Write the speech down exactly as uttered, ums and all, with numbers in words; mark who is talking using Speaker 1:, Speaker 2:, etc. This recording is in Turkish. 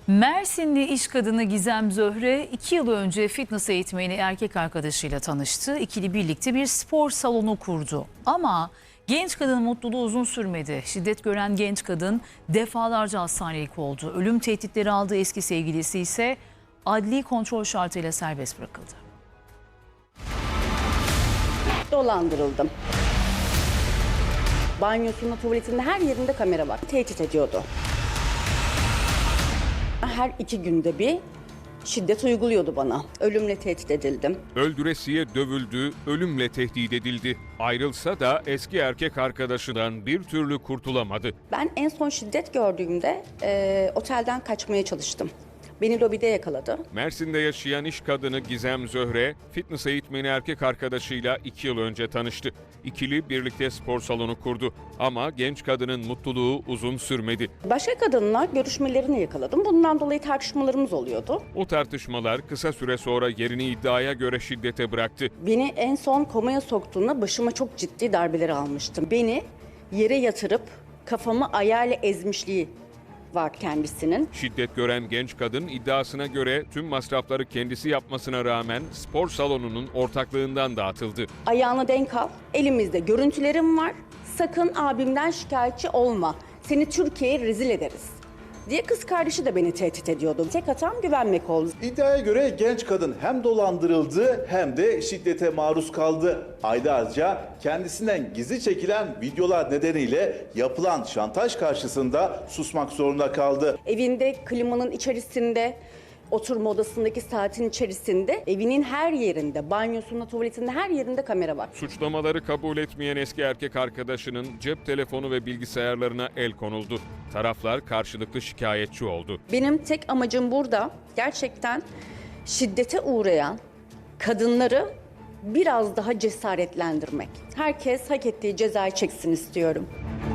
Speaker 1: Mersinli iş kadını Gizem Zöhre iki yıl önce fitness eğitmeni erkek arkadaşıyla tanıştı. İkili birlikte bir spor salonu kurdu. Ama genç kadının mutluluğu uzun sürmedi. Şiddet gören genç kadın defalarca hastanelik oldu. Ölüm tehditleri aldığı eski sevgilisi ise adli kontrol şartıyla serbest bırakıldı.
Speaker 2: Dolandırıldım. Banyosunda, tuvaletinde her yerinde kamera var. Tehdit ediyordu. Her iki günde bir şiddet uyguluyordu bana. Ölümle tehdit edildim.
Speaker 3: Öldüresiye dövüldü, ölümle tehdit edildi. Ayrılsa da eski erkek arkadaşından bir türlü kurtulamadı.
Speaker 2: Ben en son şiddet gördüğümde e, otelden kaçmaya çalıştım. Beni lobide yakaladı.
Speaker 3: Mersin'de yaşayan iş kadını Gizem Zöhre, fitness eğitmeni erkek arkadaşıyla iki yıl önce tanıştı. İkili birlikte spor salonu kurdu. Ama genç kadının mutluluğu uzun sürmedi.
Speaker 2: Başka kadınla görüşmelerini yakaladım. Bundan dolayı tartışmalarımız oluyordu.
Speaker 3: O tartışmalar kısa süre sonra yerini iddiaya göre şiddete bıraktı.
Speaker 2: Beni en son komaya soktuğunda başıma çok ciddi darbeler almıştım. Beni yere yatırıp kafamı ayağıyla ezmişliği var kendisinin.
Speaker 3: Şiddet gören genç kadın iddiasına göre tüm masrafları kendisi yapmasına rağmen spor salonunun ortaklığından dağıtıldı.
Speaker 2: Ayağına denk al. Elimizde görüntülerim var. Sakın abimden şikayetçi olma. Seni Türkiye'ye rezil ederiz diye kız kardeşi de beni tehdit ediyordu. Tek hatam güvenmek oldu.
Speaker 4: İddiaya göre genç kadın hem dolandırıldı hem de şiddete maruz kaldı. Aylarca kendisinden gizli çekilen videolar nedeniyle yapılan şantaj karşısında susmak zorunda kaldı.
Speaker 2: Evinde klimanın içerisinde, oturma odasındaki saatin içerisinde, evinin her yerinde, banyosunda, tuvaletinde her yerinde kamera var.
Speaker 3: Suçlamaları kabul etmeyen eski erkek arkadaşının cep telefonu ve bilgisayarlarına el konuldu. Taraflar karşılıklı şikayetçi oldu.
Speaker 2: Benim tek amacım burada gerçekten şiddete uğrayan kadınları biraz daha cesaretlendirmek. Herkes hak ettiği cezayı çeksin istiyorum.